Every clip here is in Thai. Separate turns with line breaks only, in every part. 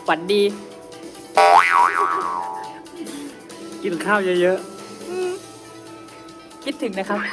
ฝันดี
กินข้าวเยอะ
คิดถึงนะครับ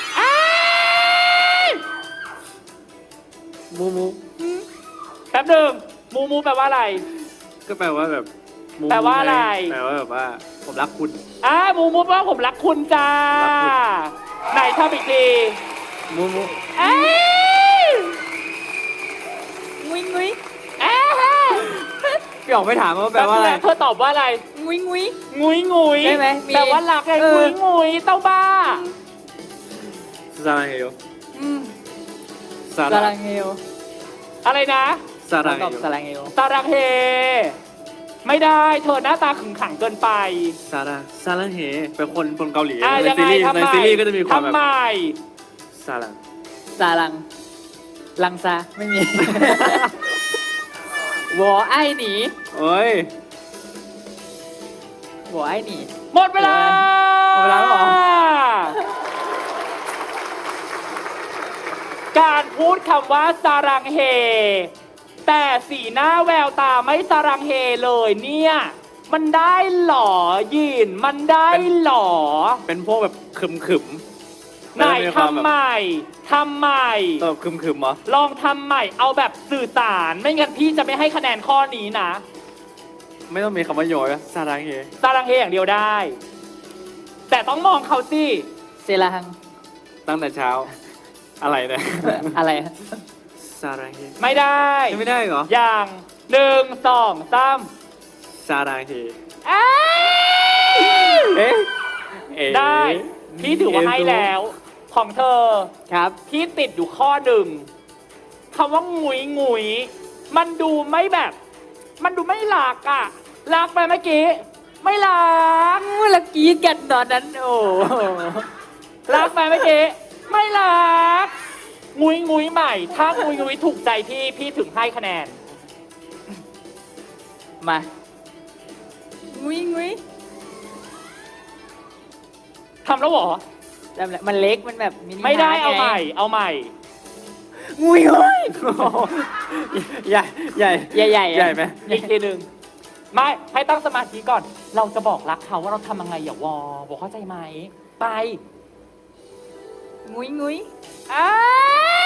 ๆมูมู
แป๊บหนึ่งมูมูแปลว่าอะไร
ก็แปลว่าแบบมู
แปลว่าอะไร
แปลว่าแบบว่าผมรักคุณ
มูมูแปลว่าผมรักคุณจ้า
รักคุณ
ไหนทำอีกที
มูมู
เอ้ย
งุ้ยงุ้ย
เอ้ย
พี่ออกไม่ถามว่าแปลว่าอะไร
เธอตอบว่าอะไร
งุ้ยงุ้ย
งุยงุย
ได้ไหมมี
แปลว่ารักไง
เออ
งุยงุยเต้าบ้า
ซาลังเฮโย
อืม
ซา
สา
ลั
รั
ง
งเฮล
อะไรนะ
ซาลัง
ต
เฮ
อบ
โย
สารังเฮล
ตารังเฮ ไม่ได้เธอหน้าตาขึงขังเกินไป
ซาลังเฮเป็นคนเกาหลี ใน
ยัง
ซี
ไง
รีส์
ทำ
ใน
ไม
ซีรีส์ก็จะมีความ
ทำ
แบบ
ไม
ซาลัง
สารัง ลังซาไม่มี วอไอหนี
โอ้ยว
อไอหนี
หมดเวลา
หมดเวลาแล้วเหรอ
การพูดคำว่าสารังเฮ แต่สีหน้าแววตาไม่สารังเฮเลยเนี่ย มันได้หรอยิน มันได้หรอ
เป็นพวกแบบขึมๆ
ไหน
แล้วมีความ
ทำ
แบบ
ใหม่ทำใหม่
แบบขึมๆเหรอ
ลองทำใหม่ เอาแบบสื่อสาร ไม่งั้นพี่จะไม่ให้คะแนนข้อนี้นะ
ไม่ต้องมีคำว่าโยยซาลังเฮ
สารังเฮอย่างเดียวได้ แต่ต้องมองเขาสิ
เซลาฮัง
ตั้งแต่เช้า อะไรเนี่ย
อะไร
ซาลังเฮ
ไม่ได้
ไม่ได้เหรอ
อย่างหนึ่งสองสาม
ซาลังเฮ
เอ้ย
เอ๊ะเอ๊ะ
ได้ พี่ถือว่าให้แล้ว ของเธอ
ครับ
พี่ติดอยู่ข้อหนึ่งคำว่าหงุยหงุยมันดูไม่แบบ มันดูไม่หลักอะรักไปเมื่อกี้ ไม่รัก
เรากรีดกันตอนนั้น โอ้
รักไปเมื่อกี้ ไม่รักงุยงุยใหม่ ถ้างุยงุยถูกใจพี่ถึงให้คะแนน
มา งุ้ยงุ้ย
ทำแล้วเหรอ
จำแล้วมันเล็ก มันแบบมินิ
ไม่ได้
ฮร์ท
เอาใหม่
ไง
เอาใหม่
งุ้ยงุ้ย
ใหญ่ใหญ่
ใหญ่ๆอะ
ใหญ่ไหม
อีกทีหนึ่งไม่ให้ตั้งสมาธิก่อน เราจะบอกรักเขาว่าเราทำยังไงอย่าวอบอกเข้าใจไหม ไป
งุ้ยงุ้ย
อ้า